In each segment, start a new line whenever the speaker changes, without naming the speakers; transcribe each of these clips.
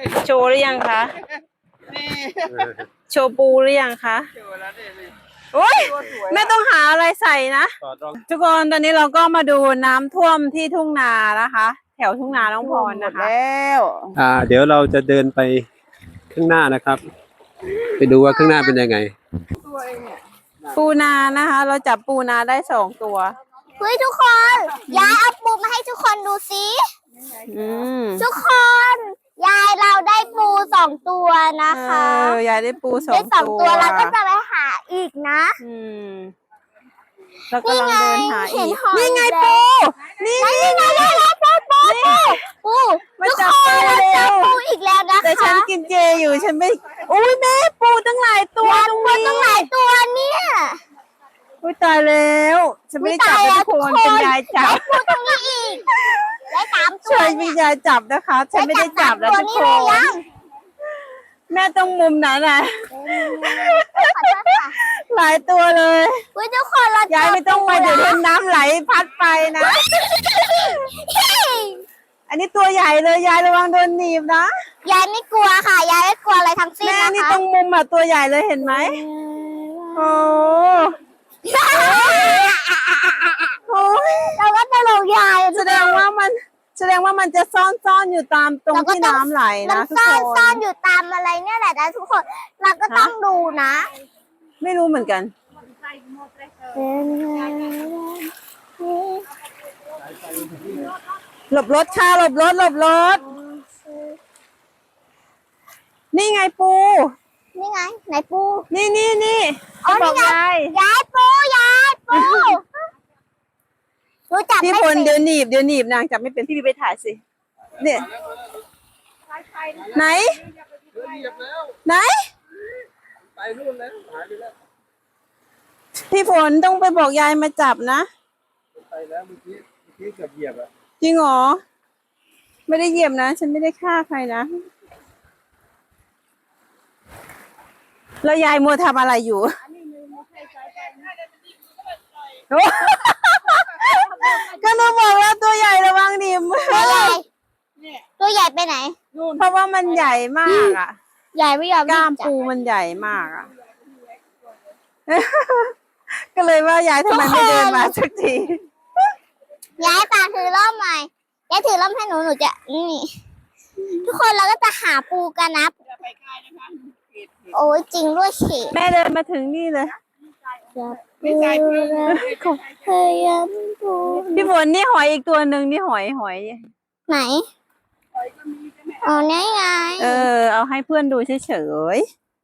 โชว์หรือยังคะโชว์ปูหรือยังคะโอ้ยไม่ต้องหาอะไรใส่นะทุกคนตอนนี้เราก็มาดูน้ำท่วมที่ทุ่งนานะคะ แถวทุ่งนาน้องพรนะคะ
แล้ว
เดี๋ยวเราจะเดินไปข้างหน้านะครับ ไปดูว่าข้างหน้าเป็นยังไง
ปูนานะคะ เราจับปูนาได้2 ตัว
เฮ้ยทุกคนยายเอาปูมาให้ทุกคนดูสิทุกคนยายเราได้ปู2 ตัวนะคะ
ยายได้ปู
ได้
2
ตัวเราก็จะไปหาอีกนะ
แล้วก็ลังเดินหาอีก
นี่ไงปู
นี่
ไงปู
มาจับปูเร็ว
ปูอีกแล้วนะคะ
แต่ฉันกินเจอยู่ฉันไม่อุ้ยแม่ปูตั้งหลายตัวตรงนี้
ตั้งหลายตัวเนี่ย
อุ้ยตายแล้วฉันไม่ได้จับทุกคนเป็นยายจับ
ปูตรงนี้อีกได้3 ตัว
ช่วยมียายจับนะคะฉันไม่ได้จับแล้วทุกคนแม่ต้องมุมไหนน่ะหลายตัวเลย
ทุกคนเรา
ยายไม่ต้องไปเดี๋ยวโดนน้ำไหลพัดไปนะอันนี้ตัวใหญ่เลยยายระวังโดนหนีบนะ
ยายไม่กลัวค่ะยายไม่กลัวอะไรทั้งสิ้นนะคะ
แม่นี่ตรงมุมตัวใหญ่เลยเห็นไหมโอ้
เราก็ตลกยาย
แสดงว่ามันจะซ่อนอยู่ตามตรงที่น้ำไหลนะทุกคน
ซ่อนอยู่ตามอะไรเนี่ยแหละนะทุกคนเราก็ต้องดูนะ
ไม่รู้เหมือนกันหลบรถค่ะหลบรถนี่ไงปู
นี่ไงไหนปู
นี่บอกย
ายปูรู้จัก
พี่พลเดี๋ยวหนีบนางจับไม่เป็นพี่ไปถ่ายสิเนี่ยไหน
ไปนู่นแล้วหายไปแล้ว
พี่ฝนต้องไปบอกยายมาจับนะ
ไปแล้วเมื่อกี้เกือบเหยียบอะ
จริงเหรอไม่ได้เหยียบนะฉันไม่ได้ฆ่าใครนะแล้วยายมัวทำอะไรอยู่ก็หนูบอกแล้วตัวใหญ่ระวังดิมือ
ตัวใหญ่ไปไหน
เพราะว่ามันใหญ่มากอ่ะ
ใหญ่ไม่ยอม
กล้ามปูมันใหญ่มากอ่ะก็เลยว่ายายทำไมไม่เดินมาสักที
ยายตาถือร่มใหม่ยายถือร่มให้หนูจะนี่ทุกคนเราก็จะหาปูกันนะโอ้ยจริงด้วยสิ
แม่เดินมาถึงนี่เลย
ไม่ใช่พยายามปู
พี่ฝนนี่หอยอีกตัวหนึ่งนี่หอย
ไหนอ๋อนี่ไง
เอาให้เพื่อนดูเฉย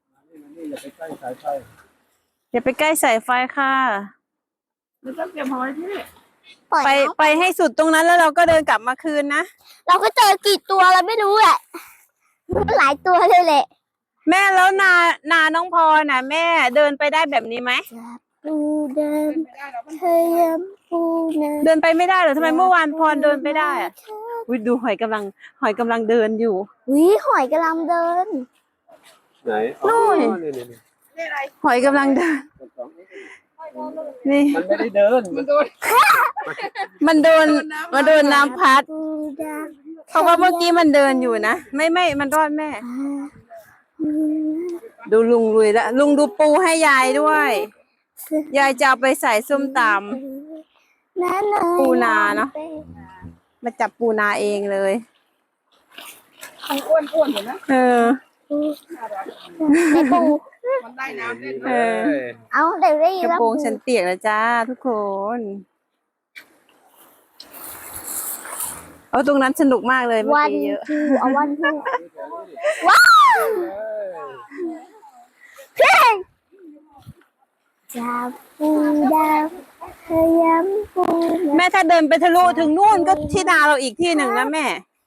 อย่าไปใกล้สายไฟค่ะ
ไม่ต้องเก็บหอยพี่
ไปให้สุดตรงนั้นแล้วเราก็เดินกลับมาคืนนะ
เราก็เจอกี่ตัวเราไม่รู้แหละหลายตัวเลยแหละ
แม่แล้วนาน้องพรน่ะแม่เดินไปได้แบบนี้ไหม
ปูเดินพยายามปู
เดินไปไม่ได้เหรอทำไมเมื่อวานพรเดินไปได้อ่ะดูหอยกำลังเดินอยู่
หอยกำลังเดิน
ไหน
นู่นหอยกำลังเดินนี่
มันไม่ได้เดิน
มันโดนน้ำพัดเพราะว่าเมื่อกี้มันเดินอยู่นะไม่มันรอดแม่ดูลุงลุยแล้วลุงดูปูให้ยายด้วยยายจะเอาไปใส่ส้มตำปูนาเนาะมาจับปูนาเองเลย
อ้วนเห็นไหม
ในปู
มันได้น้ำเล่น
เอาเดี๋ยวได้
กระโปรงฉันเปียกแล้วจ้าทุกคนตรงนั้นสนุกมากเลยเมื่อกี้เยอะ
วันทูว้าวเพ่งจับปูดาวพยายามปู
แม่ถ้าเดินไปทะลุถึงนู่นก็ที่นาเราอีกที่หนึ่งนะแม่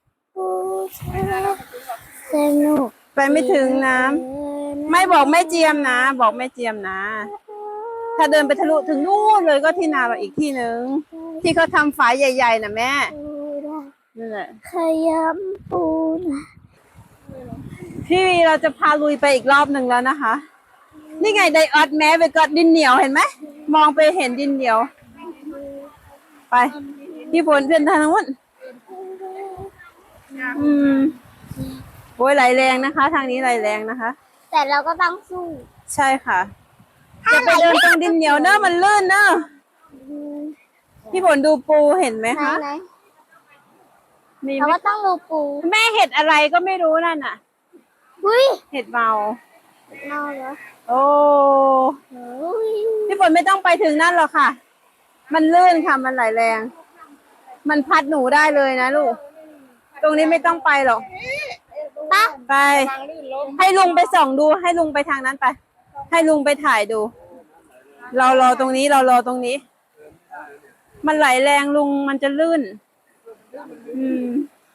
สนุก
ไปไม่ถึงน้ำไม่บอกแม่เจียมนะบอกแม่เจียมนะถ้าเดินไปทะลุถึงนู่นเลยก็ที่นาเราอีกที่หนึ่งที่เขาทำฝายใหญ่ๆนะแม่นั่นแหละ
ขยำปูนะ
พี่วีเราจะพาลุยไปอีกรอบหนึ่งแล้วนะคะนี่ไงไดออดแม้ไปกอดดินเหนียวเห็นไหมมองไปเห็นดินเหนียวไปพี่ฝนเพื่อนทางนู้นโอ้โอ้ยไหลแรงนะคะ ทางนี้ไหลแรงนะคะ
แต่เราก็ต้องสู้
ใช่ค่ะอย่าไปเดินตรงดินเหนียวเนอะมันลื่นเนอะพี่ฝนดูปูเห็นไหม
ไหน
คะ
ไหน
มี
เรา
ไหม
ก็ต้องดูปู
แม่เห็ดอะไรก็ไม่รู้นั่นน่ะ
อุ้ย
เห็ดเมา
เน่าเหรอ
โอ้
อุ้ย
พี่ฝนไม่ต้องไปถึงนั่นหรอกค่ะ มันลื่นค่ะ มันไหลแรง มันพัดหนูได้เลยนะลูก ตรงนี้ไม่ต้องไปหรอก
ปะ
ไป ให้ลุงไปส่องดู ให้ลุงไปทางนั้นไป ให้ลุงไปถ่ายดู เรารอตรงนี้ เรารอตรงนี้ มันไหลแรงลุงมันจะลื่น อืม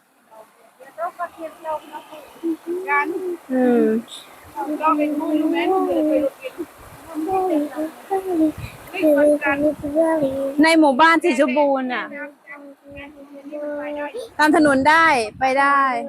การ
อืม
เราเป็นผู้รู้แม่ผู้เดินไปรถกินนี่คนการ
ในหมู่บ้านสีชมพูน่ะ ตามถนนได้ไปได้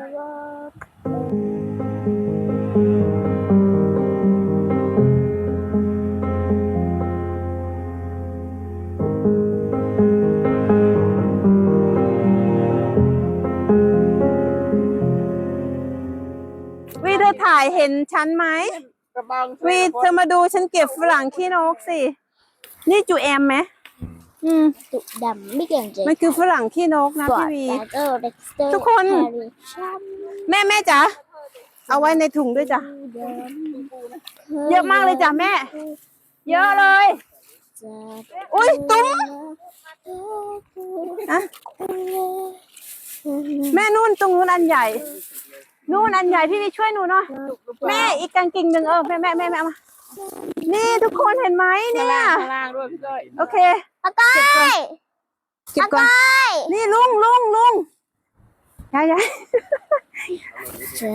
วีเธอถ่ายเห็นฉันไหม
กระบัง
วีเธอมาดูฉันเก็บฝรั่งขี้นกสิ นี่จูแอมไหมอืม
ตุดำไม่เก่งจริง
มันคือฝรั่งขี้นกนะพี่วี ทุกคน แม่จ๋าเอาไว้ในถุงด้วยจ้ะ เยอะมากเลยจ้ะแม่ เยอะเลย อุ้ยตุ้มอะแม่นู่นตรงนู้นอันใหญ่ นู่นอันใหญ่พี่วีช่วยหนูหน่อยแม่อีกกางกิ่งหนึ่งแม่เอามา นี่ทุกคนเห็นไหมเนี่ย
ข้างล่างด้วยพี่ก้อย
โอเค
ปะก้อย
เก็บก่อน นี่ลุงยาย
จะ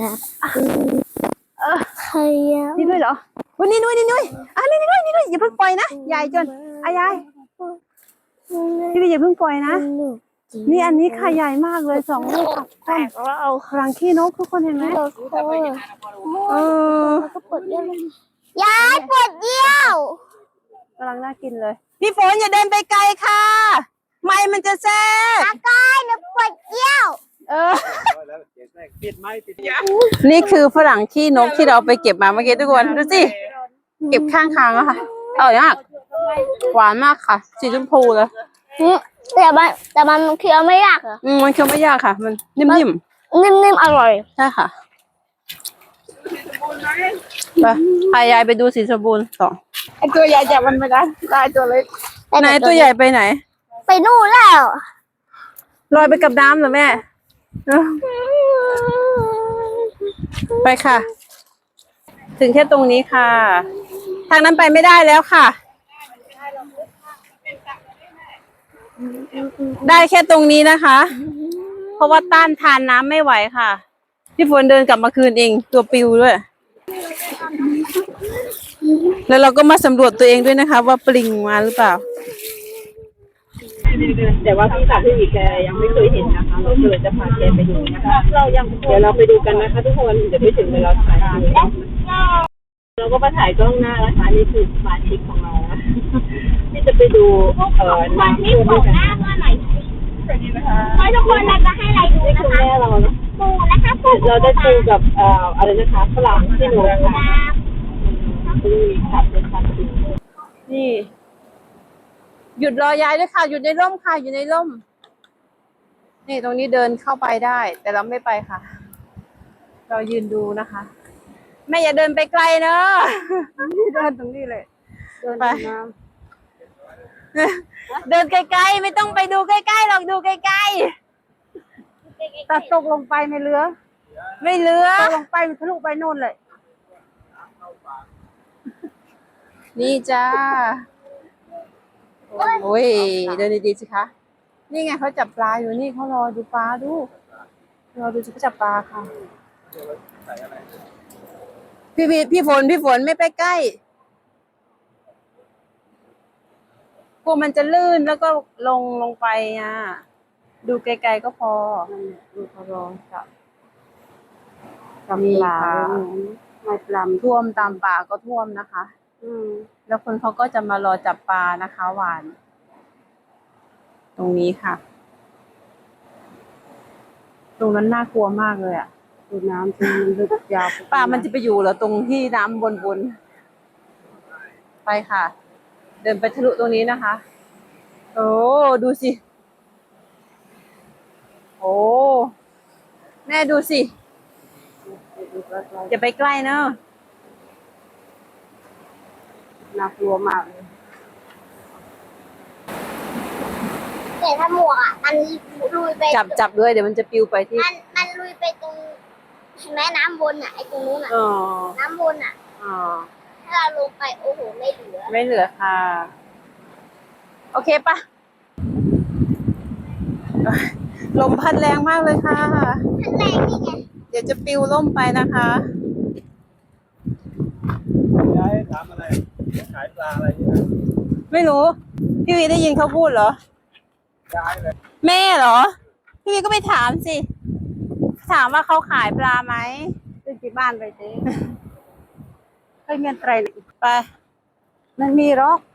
ใคร
นี่ด้วยเหรอวันนี้ด้วยอ่ะนี่ด้วยอย่าเพิ่งปล่อยนะยายจนยายพี่วีอย่าเพิ่งปล่อยนะ นี่อันนี้ค่ะใหญ่มากเลย2 ลูกแตกแล้วเอาครังขี้นกทุกคนเห็นไหมเออ
ก็ปวดเยี่ยวยายปวดเยี่ยว
กำลังน่ากินเลย พี่ฝนอย่าเดินไปไกลค่ะ ไม่มันจะแซ่บ
ปะก้อยหนูปวดเยี่ยว
ปิดไม้ปิด
นี่คือฝรั่งขี้นกที่เราไปเก็บมาเมื่อกี้ทุกคนดูสิเก็บข้างทางอะค่ะอร่อยมากหวานมากค่ะสีชมพูเลย
แต่มันเคี้ยวไม่ยากเหรอ
มันเคี้ยวไม่ยากค่ะ มันนิ่ม
นิ่มๆอร่อย
ๆใช่ค่ะไปพายายไปดูสีชมพูต่อ
ไอตัวใหญ่จับมันไม่ได้ได้ตัวเล็ก
ไหนตัวใหญ่ไปไหน
ไปนู่นแล้ว
ลอยไปกับน้ำเหรอแม่เออไปค่ะ ถึงแค่ตรงนี้ค่ะ ทางนั้นไปไม่ได้แล้วค่ะ ได้แค่ตรงนี้นะคะ เพราะว่าต้านทานน้ำไม่ไหวค่ะ พี่ฝนเดินกลับมาคืนเองตัวปิวด้วย แล้วเราก็มาสำรวจตัวเองด้วยนะคะ ว่าปลิงมาหรือเปล่า
แต่ว่าพี่สาวพี่อีกแกยังไม่เคยเห็นนะคะเราเลยจะพาแกไปดูนะคะเดี๋ยวเราไปดูกันนะคะทุกคนเดี๋ยวไปถึงเวลาถ่ายเราก็มาถ่ายกล้องหน้านะคะนี่คือสมาชิกของเรานะที่จะไปดูน้ำท่วมด้วยกัน
ทุกคนเราจะให้อะไรดู
นี่
นะ
คือ
คะ
แม่เราเนาะ
ปูนะคะปู
เราได้ปูกับอะไรนะคะฝรั่งที่หนูค่ะปูขับเป็นคันดี
นี่ หยุดรอยายด้วยค่ะ หยุดในร่มค่ะ อยู่ในร่ม นี่ตรงนี้เดินเข้าไปได้ แต่เราไม่ไปค่ะ เรายืนดูนะคะ แม่อย่าเดินไปไกลเนอะเดินตรงนี้เลยไปเดินไกลๆไม่ต้องไปดูใกล้ๆหรอกดูไกลๆตัดตกลงไปไม่เหลือ ไม่เหลือลงไปทะลุไปโน่นเลย นี่จ้า โอ้ยเดินดีๆสิคะ นี่ไงเขาจับปลาอยู่นี่เขารอดูปลาดู รอดูเขาจับปลาค่ะ พี่ฝนไม่ไปใกล้กลัวมันจะลื่นแล้วก็ลงไปอ่ะ ดูไกลๆก็พอดูพอรอจับปลาไม่ปลาท่วมตามป่าก็ท่วมนะคะ แล้วคนเขาก็จะมารอจับปลานะคะหวาน ตรงนี้ค่ะ ตรงนั้นน่ากลัวมากเลยอ่ะ ดู
ดูน้ำที่มันลึกยาว
ปลามันจะไปอยู่เหรอตรงที่น้ำบนไปค่ะ เดินไปทะลุตรงนี้นะคะ โอ้ดูสิ โอ้แม่ดูสิอย่าไปใกล้เนอะ
น่ากลัวมากเลย
แต่ถ้าหมวกอ่ะมันลุยไป
จับด้วยเดี๋ยวมันจะปลิวไปที่
มันลุยไปตรงเห็นไหมน้ำบนอ่ะไอ้ตรงนู้นอ่ะ
อ๋อ
น้ำบนอ่ะ
อ๋อ
ถ้าเราลงไปโอ้โหไม่เหลือ
ไม่เหลือค่ะ โอเคปะลมพัดแรงมากเลยค่ะ
ขั้นแรกนี่ไง
เดี๋ยวจะปลิวล่มไปนะคะ
ยายถามอะไรขายปลาอะไรนี่นะ
ไม่รู้ พี่วีได้ยินเขาพูดเหรอ
ยายเลย
แม่เหรอ พี่วีก็ไปถามสิ ถามว่าเขาขายปลาไหม
ขึ้นที่บ้านไปเจ๊
ให้เงินไตรไป
มันมีหรอก